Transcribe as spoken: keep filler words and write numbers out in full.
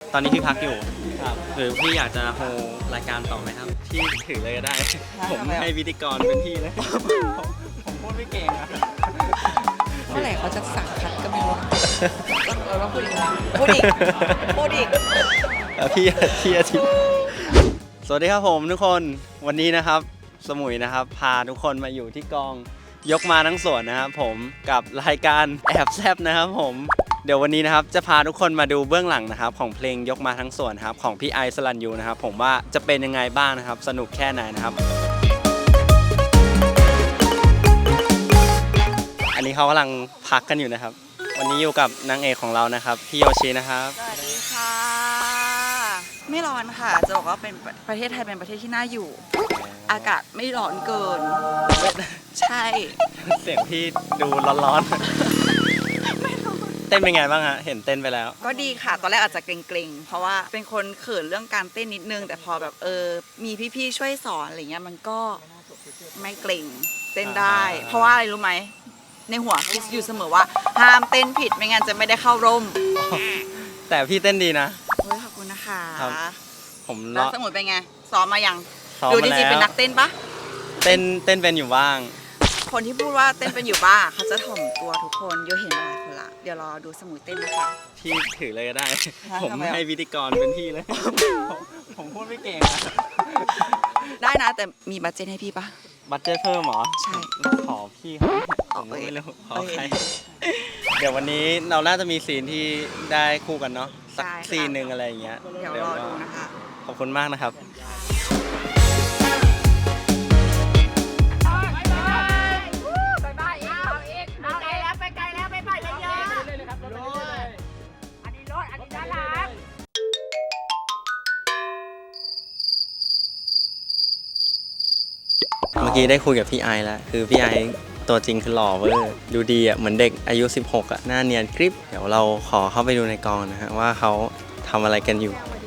ตอนนี้พี่พักอยู่ครับหรือพี่อยากจะโฮรายการต่อไหมครับพี่ถือเลยก็ได้ผมให้พิธีกรเป็นพี่เลยผมพูดไม่เก่งอะเมื่อไหร่เขาจะสั่งคัดก็ไม่รู้ต้องเออต้องพูดอีกพูดอีกพูดอีกพี่พี่อาทิตย์สวัสดีครับผมทุกคนวันนี้นะครับสมุยนะครับพาทุกคนมาอยู่ที่กองยกมาทั้งสวนนะครับผมกับรายการแอบแซบนะครับผมเดี๋ยววันนี้นะครับจะพาทุกคนมาดูเบื้องหลังนะครับของเพลงยกมาทั้งสวนครับของพี่ไอซ์สลันยูนะครับผมว่าจะเป็นยังไงบ้างนะครับสนุกแค่ไหนนะครับอันนี้เขากำลังพักกันอยู่นะครับวันนี้อยู่กับนางเอกของเรานะครับพี่โยชินะครับสวัสดีค่ะไม่ร้อนค่ะจะบอกว่าเป็นประเทศไทยเป็นประเทศที่น่าอยู่อากาศไม่ร้อนเกินใช่เสียงพี่ดูร้อนๆเต้นเป็นไงบ้างฮะเห็นเต้นไปแล้วก็ดีค่ะตอนแรกอาจจะเกรงๆเพราะว่าเป็นคนเขินเรื่องการเต้นนิดนึงแต่พอแบบเออมีพี่ๆช่วยสอนอะไรเงี้ยมันก็ไม่เกรงเต้นได้เพราะว่าอะไรรู้ไหมในหัวคิดอยู่เสมอว่าห้ามเต้นผิดไม่งั้นจะไม่ได้เข้าร่มแต่พี่เต้นดีนะโอ้ยขอบคุณนะคะผมแล้วสมุยเป็นไงซ้อมมายังดูจริงๆเป็นนักเต้นปะเต้นเต้นเป็นอยู่บ้างคนที่พูดว่าเต้นเป็นอยู่บ้างเขาจะถ่อมตัวทุกคนโยเห็นมาหลายคนละเดี๋ยวรอดูสมุยเต้นนะคะพี่ถือเลยก็ได้ผมให้พิธีกรเป็นพี่เลยผมพูดไม่เก่งได้นะแต่มีบัตเจ็ตให้พี่ปะบัตเจ็ตเพิ่มหรอใช่ขอพี่ครับผมไม่รู้ขอใครเดี๋ยววันนี้เราน่าจะมีซีนที่ได้คู่กันเนาะสักซีนหนึ่งอะไรอย่างเงี้ยเดี๋ยวรอดูนะคะขอบคุณมากนะครับเมื่อกี้ได้คุยกับพี่ไอแล้วคือพี่ไอตัวจริงคือหล่อเวอร์ดูดีอ่ะเหมือนเด็กอายุสิบหกอ่ะหน้าเนียนกริบเดี๋ยวเราขอเข้าไปดูในกองนะฮะว่าเขาทำอะไรกันอยู่